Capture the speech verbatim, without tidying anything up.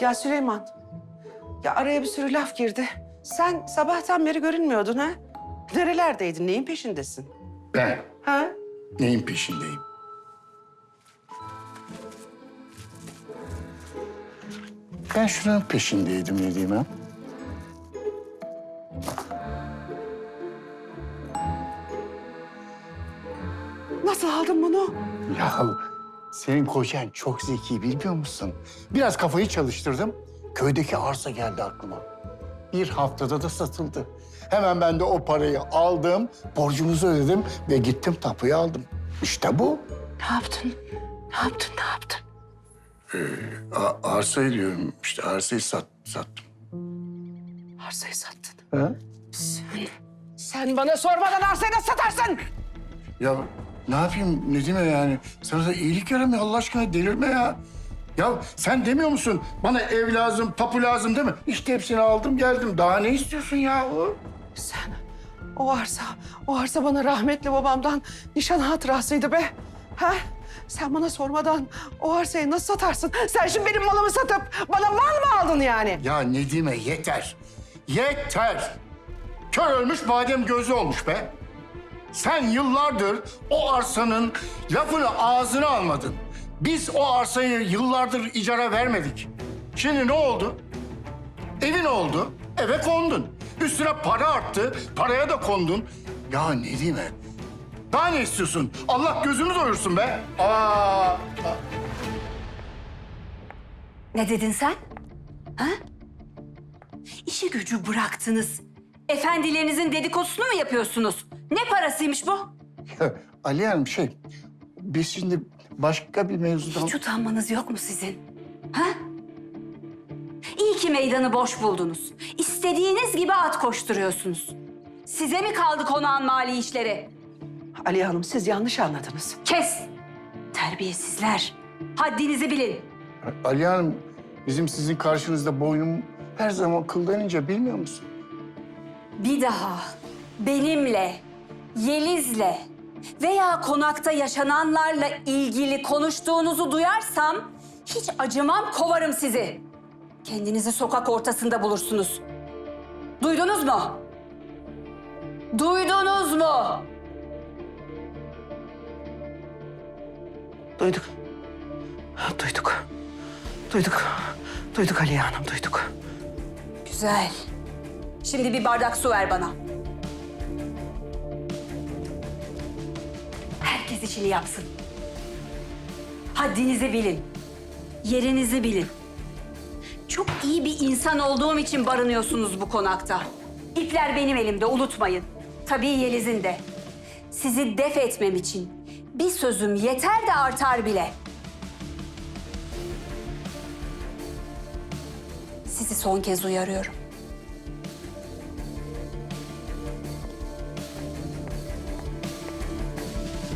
Ya Süleyman, ya araya bir sürü laf girdi. Sen sabahtan beri görünmüyordun ha? Nerelerdeydin, neyin peşindesin? Ben Ha? neyin peşindeyim? Ben şunun peşindeydim Nedime. Nasıl aldın bunu? Ya senin kocan çok zeki bilmiyor musun? Biraz kafayı çalıştırdım. Köydeki arsa geldi aklıma. Bir haftada da satıldı. Hemen ben de o parayı aldım, borcumuzu ödedim ve gittim tapuyu aldım. İşte bu. Ne yaptın? Ne yaptın, ne yaptın? A- arsayı diyorum işte arsayı sat, sattım. Arsayı sattın. Ha? Sen, sen bana sormadan arsayı nasıl satarsın? Ya ne yapayım Nedime yani? Sana da iyilik yaramıyor Allah aşkına delirme ya. Ya sen demiyor musun bana ev lazım, tapu lazım değil mi? İşte hepsini aldım geldim. Daha ne istiyorsun ya? Sen, o arsa, o arsa bana rahmetli babamdan nişan hatırasıydı be. Ha? Sen bana sormadan o arsayı nasıl satarsın? Sen şimdi benim malımı satıp bana mal mı aldın yani? Ya Nedime yeter. Yeter. Kör ölmüş badem gözü olmuş be. Sen yıllardır o arsanın lafını ağzına almadın. Biz o arsayı yıllardır icara vermedik. Şimdi ne oldu? Evin oldu, eve kondun. Üstüne para arttı, paraya da kondun. Ya Nedime, daha ne istiyorsun? Allah gözünü doyursun be. Aa, Ne dedin sen? Ha? İşi gücü bıraktınız. Efendilerinizin dedikodusunu mu yapıyorsunuz? Ne parasıymış bu? Ali Hanım şey, biz şimdi başka bir mevzudan... Hiç utanmanız yok mu sizin? Ha? İyi ki meydanı boş buldunuz. İstediğiniz gibi at koşturuyorsunuz. Size mi kaldı konağın mali işleri? Aliye Hanım siz yanlış anladınız. Kes! Terbiyesizler. Haddinizi bilin. Ali Hanım, bizim sizin karşınızda boynum her zaman kıldan ince bilmiyor musun? Bir daha benimle, Yeliz'le veya konakta yaşananlarla ilgili konuştuğunuzu duyarsam hiç acımam, kovarım sizi. Kendinizi sokak ortasında bulursunuz. Duydunuz mu? Duydunuz mu? Duyduk. Duyduk. Duyduk. Duyduk Aliye Hanım, duyduk. Güzel. Şimdi bir bardak su ver bana. Herkes işini yapsın. Haddinizi bilin. Yerinizi bilin. Çok iyi bir insan olduğum için barınıyorsunuz bu konakta. İpler benim elimde, unutmayın. Tabii Yeliz'in de. Sizi def etmem için bir sözüm yeter de artar bile. Sizi son kez uyarıyorum.